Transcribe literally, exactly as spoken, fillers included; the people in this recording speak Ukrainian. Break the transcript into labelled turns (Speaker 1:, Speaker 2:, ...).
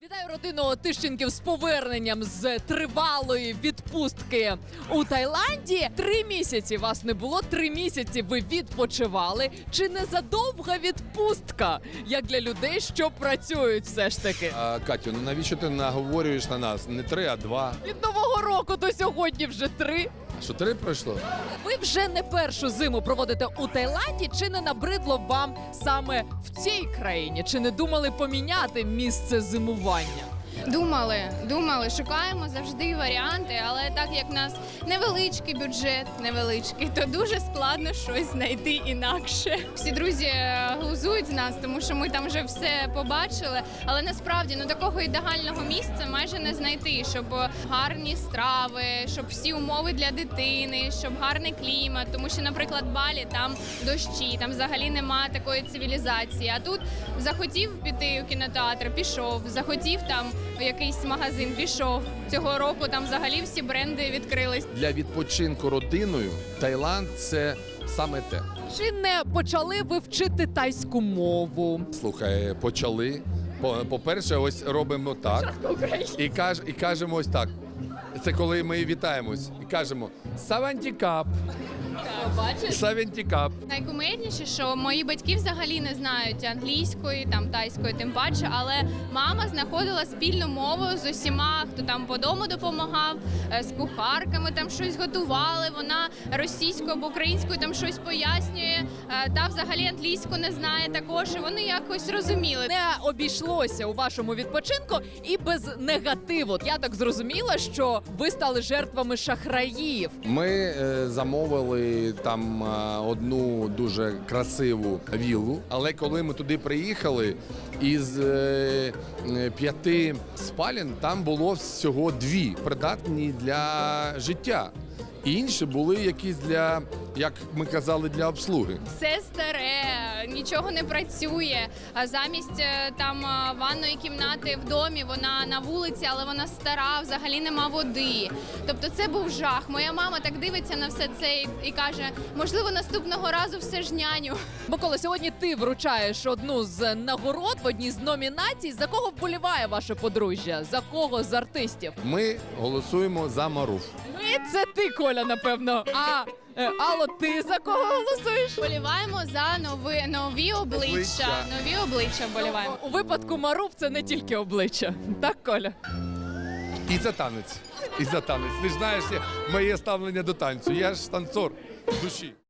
Speaker 1: Вітаю родину Тищенків з поверненням з тривалої відпустки у Таїланді. Три місяці вас не було, три місяці ви відпочивали. Чи не задовга відпустка, як для людей, що працюють все ж таки?
Speaker 2: А, Катю, ну навіщо ти наговорюєш на нас? Не три, а два.
Speaker 1: Від Нового року до сьогодні вже три.
Speaker 2: Що, три пройшло?
Speaker 1: Ви вже не першу зиму проводите у Таїланді. Чи не набридло вам саме в цій країні? Чи не думали поміняти місце зимування?
Speaker 3: Думали, думали, шукаємо завжди варіанти, але так як в нас невеличкий бюджет, невеличкий, то дуже складно щось знайти інакше. Всі друзі е, глузують з нас, тому що ми там вже все побачили, але насправді ну такого ідеального місця майже не знайти, щоб гарні страви, щоб всі умови для дитини, щоб гарний клімат, тому що, наприклад, Балі там дощі, там взагалі немає такої цивілізації. А тут захотів піти у кінотеатр, пішов, захотів там в якийсь магазин, пішов. Цього року там взагалі всі бренди відкрились.
Speaker 2: Для відпочинку родиною Таїланд – це саме те.
Speaker 1: Чи не почали ви вчити тайську мову?
Speaker 2: Слухай, почали. По- По-перше, ось робимо так. І, каж, і кажемо ось так. Це коли ми вітаємось. І кажемо «Савантікап»,
Speaker 1: Бачиш?
Speaker 2: «Савантікап».
Speaker 3: Найкумедніше, що мої батьки взагалі не знають англійської, там тайської, тим паче, але мама знаходила спільну мову з усіма, хто там по дому допомагав, е, з кухарками там щось готували. Вона російською або українською там щось пояснює. е, Та взагалі англійську не знає також. І вони якось розуміли.
Speaker 1: Не обійшлося у вашому відпочинку і без негативу. Я так зрозуміла, що ви стали жертвами шахраїв.
Speaker 2: Ми е, замовили там е, одну дуже красиву віллу, але коли ми туди приїхали, із е, е, п'яти спален там було всього дві придатні для життя. І інші були якісь для, як ми казали, для обслуги.
Speaker 3: Все старе, нічого не працює. А замість е, там е, ванної кімнати в домі, вона на вулиці, але вона стара, взагалі нема води. Тобто це був жах. Моя мама так дивиться на все це і, і каже, можливо, наступного разу все ж няню.
Speaker 1: Микола, сьогодні ти вручаєш одну з нагород в одній з номінацій. За кого вболіває ваше подружжя? За кого з артистів?
Speaker 2: Ми голосуємо за Маруф.
Speaker 1: Ми це ти, Коля, напевно. А е, Алло, ти за кого голосуєш?
Speaker 3: Боліваємо за нові, нові обличчя.
Speaker 2: Обличчя.
Speaker 3: Нові обличчя боліваємо.
Speaker 1: У випадку Маруф це не тільки обличчя. Так, Коля?
Speaker 2: І за танець. І за танець. Ти ж знаєш моє ставлення до танцю. Я ж танцор душі.